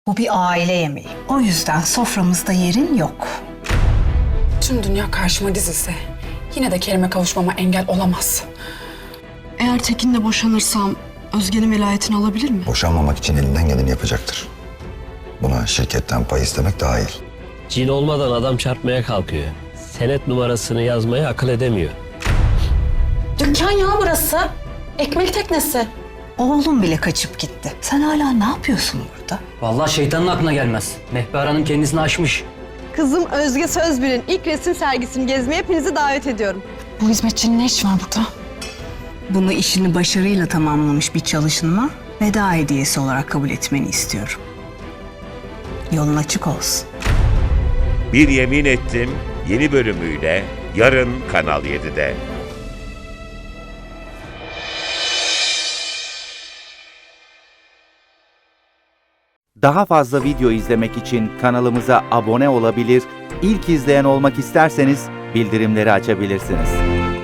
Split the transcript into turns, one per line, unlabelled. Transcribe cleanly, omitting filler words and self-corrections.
Bu bir aile yemeği. O yüzden soframızda yerin yok.
Tüm dünya karşıma dizilse yine de Kerim'e kavuşmama engel olamaz.
Eğer Tekin'le boşanırsam Özge'nin velayetini alabilir mi?
Boşanmamak için elinden geleni yapacaktır. Buna şirketten pay istemek dahil.
Cin olmadan adam çarpmaya kalkıyor. Senet numarasını yazmayı akıl edemiyor.
Dükkan ya burası. Ekmek teknesi.
Oğlum bile kaçıp gitti. Sen hala ne yapıyorsun burada?
Vallahi şeytanın aklına gelmez. Mehber Hanım kendisini aşmış.
Kızım Özge Sözbir'in ilk resim sergisini gezmeye hepinizi davet ediyorum.
Bu hizmetçinin ne işi var burada?
Bunu işini başarıyla tamamlamış bir çalışanıma veda hediyesi olarak kabul etmeni istiyorum. Yolun açık olsun.
Bir Yemin Ettim yeni bölümüyle yarın Kanal 7'de.
Daha fazla video izlemek için kanalımıza abone olabilir, ilk izleyen olmak isterseniz bildirimleri açabilirsiniz.